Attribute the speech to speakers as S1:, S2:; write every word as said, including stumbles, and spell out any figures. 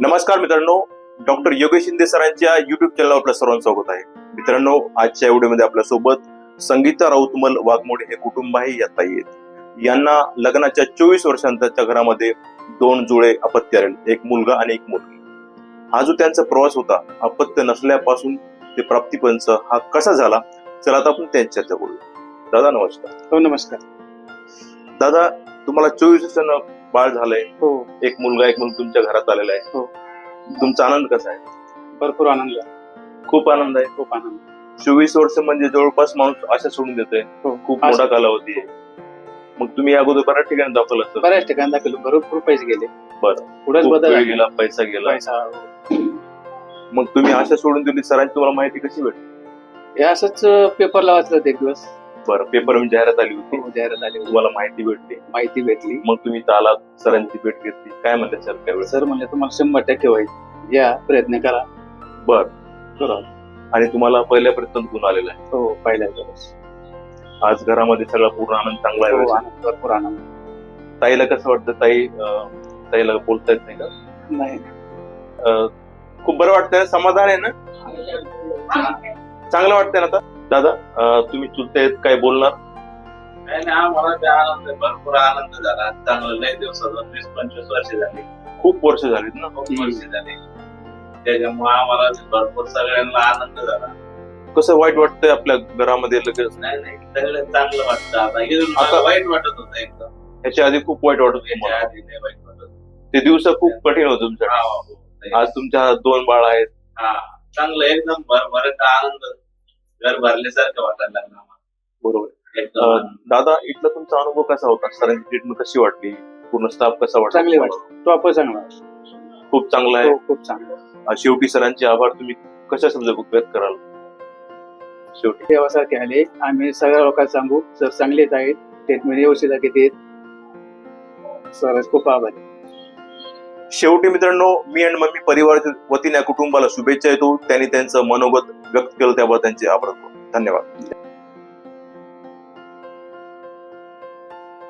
S1: नमस्कार मित्रांनो, डॉक्टर योगेश शिंदे सरांच्या युट्यूब चॅनलवर आपल्या सर्वांचं स्वागत आहे. मित्रांनो, आजच्या व्हिडिओमध्ये आपल्या सोबत संगीता राऊतमल वाघमोडे हे कुटुंब आहे. या ताई आहेत. यांना लग्नाच्या चोवीस वर्षांच्या घरामध्ये दोन जुळे अपत्य आले, एक मुलगा आणि एक मुलगी. हा जो त्यांचा प्रवास होता, अपत्य नसल्यापासून ते प्राप्तीपर्यंत हा कसा झाला, चला आता आपण त्यांची चर्चा करूया. दादा नमस्कार.
S2: हो नमस्कार.
S1: दादा, तुम्हाला चोवीस वर्षांनं बाळ झालंय,
S2: हो,
S1: एक मुलगा एक मुलगी तुमच्या घरात आलेला आहे.
S2: हो.
S1: तुमचा आनंद कसा आहे?
S2: भरपूर आनंद आहे.
S1: खूप आनंद आहे.
S2: खूप आनंद.
S1: चोवीस वर्ष म्हणजे जवळपास माणूस आशा सोडून देतोय.
S2: हो.
S1: खूप मोठा कालावधी आहे. मग तुम्ही अगोदर बऱ्याच ठिकाणी दाखवलं असतं.
S2: बऱ्याच ठिकाणी दाखवलं, भरपूर पैसे गेले.
S1: बरं.
S2: पुढेच
S1: खूप
S2: बदल
S1: वेळ
S2: आहे.
S1: गेला, पैसा गेला.
S2: पैसा.
S1: मग तुम्ही आशा सोडून दिली, सरांची तुम्हाला माहिती कशी भेटली?
S2: हे असंच पेपरला वाचलं होतं एक दिवस.
S1: बरं, पेपर म्हणजे जाहिरात आली होती,
S2: हो, जाहिरात आली होती.
S1: तुम्हाला माहिती भेटली,
S2: माहिती भेटली.
S1: मग तुम्ही इथं आलात, सरांची भेट घेतली. काय म्हणले सर त्यावेळेस?
S2: सर म्हणले तुम्हाला शंभर टक्के होईल, या प्रयत्न करा.
S1: बर.
S2: बरोबर.
S1: आणि तुम्हाला पहिल्या प्रयत्नात गुण आलेला आहे.
S2: हो, पहिल्या दिवस.
S1: आज घरामध्ये सगळा पूर्ण आनंद चांगला
S2: हो,
S1: आहे.
S2: आनंद, भरपूर आनंद.
S1: ताईला कसं वाटतं? ताई अं, ताईला बोलता येत नाही का?
S2: नाही.
S1: अं, खूप बरं वाटतंय ना? समाधान आहे ना? चांगलं वाटतंय ना आता? दादा, अं, तुम्ही चुलते काय बोलणार?
S3: नाही नाही, आम्हाला ते आनंद, भरपूर आनंद झाला. चांगलं लय दिवसात वीस पंचवीस वर्ष झाली,
S1: खूप वर्ष झालीत ना?
S3: खूप वर्ष झाली. त्याच्यामुळे आम्हाला भरपूर सगळ्यांना आनंद झाला.
S1: कसं वाईट वाटतंय आपल्या घरामध्ये लगेच?
S3: नाही नाही, सगळं चांगलं वाटतं आता. इथून मला
S1: आता-
S3: वाईट वाटत होतं एकदम.
S1: ह्याच्या आधी खूप वाईट वाटत होतं
S3: याच्या
S1: तुम्हाला.
S3: आधी नाही वाईट वाटत होतं.
S1: ते दिवस खूप कठीण होते तुमच्या.
S3: हा, हो, हो.
S1: आज तुमच्या दोन बाळ आहेत.
S3: हा, चांगलं एकदम भरभरत आनंद, घर भरल्यासारखं वाटायला लागलं आम्हाला.
S1: बरोबर.
S3: एकदम
S1: अं,
S3: आनंद.
S1: दादा, इथला तुमचा अनुभव कसा होता? सरांची ट्रीटमेंट कशी वाटली? पूर्ण स्टाफ कसा वाटला?
S2: चांगली वाटली. तो आपण चांगला.
S1: खूप चांगला आहे.
S2: हो, खूप चांगला.
S1: अं, शेवटी सरांचे आभार तुम्ही कशा शब्द व्यक्त कराल? शेवटी
S2: देवासारखे आले, आम्ही सगळ्या लोकांना सांगू, सर चांगलेच आहेत, ट्रीटमेंट व्यवस्थित घेत. सर खूप आभारी.
S1: शेवटी मित्रांनो, मी आणि मम्मी परिवाराच्या वतीने या कुटुंबाला शुभेच्छा देतो. त्यांनी त्यांचं मनोगत व्यक्त केलं, त्याबद्दल त्यांचे आभार. धन्यवाद.